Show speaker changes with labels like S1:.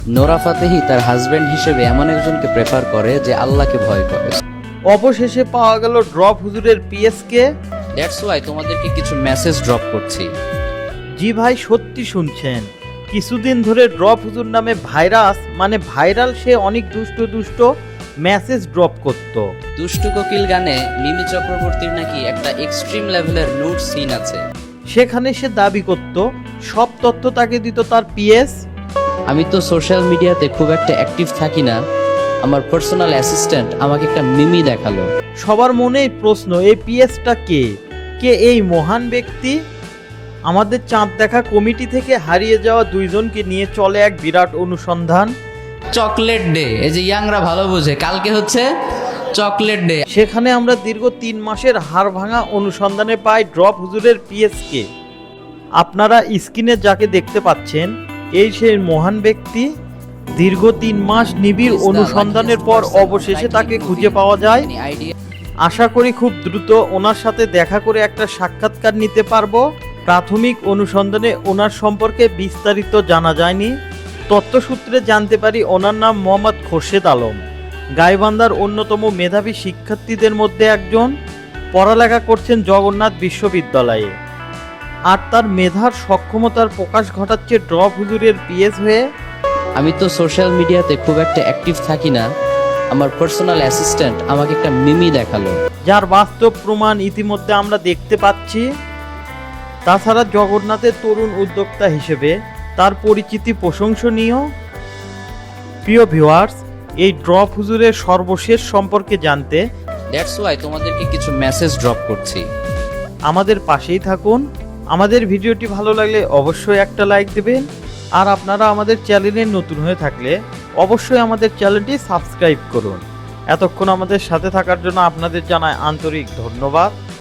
S1: Nora Fatehi তার husband হিসেবে এমন একজনকে প্রেফার করে যে আল্লাহকে ভয় করে।
S2: অবশেষে পাওয়া গেল ড্রপ হুজুরের পিএসকে।
S1: দ্যাটস ওয়াই তোমাদেরকে কিছু মেসেজ ড্রপ করছি।
S2: জি ভাই, সত্যি শুনছেন, কিছুদিন ধরে ড্রপ হুজুর নামে ভাইরাস মানে ভাইরাল সে অনেক দুষ্ট মেসেজ ড্রপ করত।
S1: দুষ্টু কোকিল গানে মিমি চক্রবর্তীর নাকি একটা এক্সট্রিম লেভেলের নুড সিন আছে।
S2: সেখানে সে দাবি করত সব তথ্য তাকে দিত তার পিএস।
S1: আমি তো সোশ্যাল মিডিয়াতে খুব একটা অ্যাক্টিভ থাকি না, আমার পার্সোনাল অ্যাসিস্ট্যান্ট আমাকে একটা মিমি দেখালো।
S2: সবার মনেই প্রশ্ন, এই পিএসটা কে? কে এই মহান ব্যক্তি? আমাদের চাঁদ দেখা কমিটি থেকে হারিয়ে যাওয়া দুইজনকে নিয়ে চলে এক বিরাট অনুসন্ধান।
S1: চকলেট ডে, এই যে ইয়াংরা ভালো বোঝে, কালকে হচ্ছে চকলেট ডে।
S2: সেখানে আমরা দীর্ঘ 3 মাসের হাড় ভাঙা অনুসন্ধানে পাই ড্রপ হুজুরের পিএসকে। আপনারা স্ক্রিনে যাকে দেখতে পাচ্ছেন এই সেই মহান ব্যক্তি। দীর্ঘ 3 মাস নিবিড় অনুসন্ধানের পর অবশেষে তাকে খুঁজে পাওয়া যায়। আশা করি খুব দ্রুত ওনার সাথে দেখা করে একটা সাক্ষাৎকার নিতে পারবো। প্রাথমিক অনুসন্ধানে ওনার সম্পর্কে বিস্তারিত জানা যায়নি। তথ্যসূত্রে জানতে পারি ওনার নাম মোহাম্মদ খোরশেদ আলম, গাইবান্ধার অন্যতম মেধাবী শিক্ষার্থীদের মধ্যে একজন। পড়ালেখা করছেন জগন্নাথ বিশ্ববিদ্যালয়ে, আর তার মেধার সক্ষমতার প্রকাশ ঘটাচ্ছে ড্রপ হুজুরের পিএস হয়ে।
S1: আমি তো সোশ্যাল মিডিয়াতে খুব একটা অ্যাক্টিভ থাকি না, আমার পার্সোনাল অ্যাসিস্ট্যান্ট আমাকে একটা মিমি দেখালো।
S2: যার বাস্তব প্রমাণ ইতিমধ্যে আমরা দেখতে পাচ্ছি। তাছাড়া জগন্নাথের তরুণ উদ্যোক্তা হিসেবে তার পরিচিতি প্রশংসনীয়। প্রিয় ভিউয়ার্স, এই ড্রপ হুজুরের সর্বশেষ সম্পর্কে জানতে
S1: দ্যাটস ওয়াই তোমাদেরকে কিছু মেসেজ ড্রপ করছি।
S2: আমাদের পাশেই থাকুন। আমাদের ভিডিওটি ভালো লাগলে অবশ্যই একটা লাইক দেবেন, আর আপনারা আমাদের চ্যানেলে নতুন হয়ে থাকলে অবশ্যই আমাদের চ্যানেলটি সাবস্ক্রাইব করুন। এতক্ষণ আমাদের সাথে থাকার জন্য আপনাদের জানাই আন্তরিক ধন্যবাদ।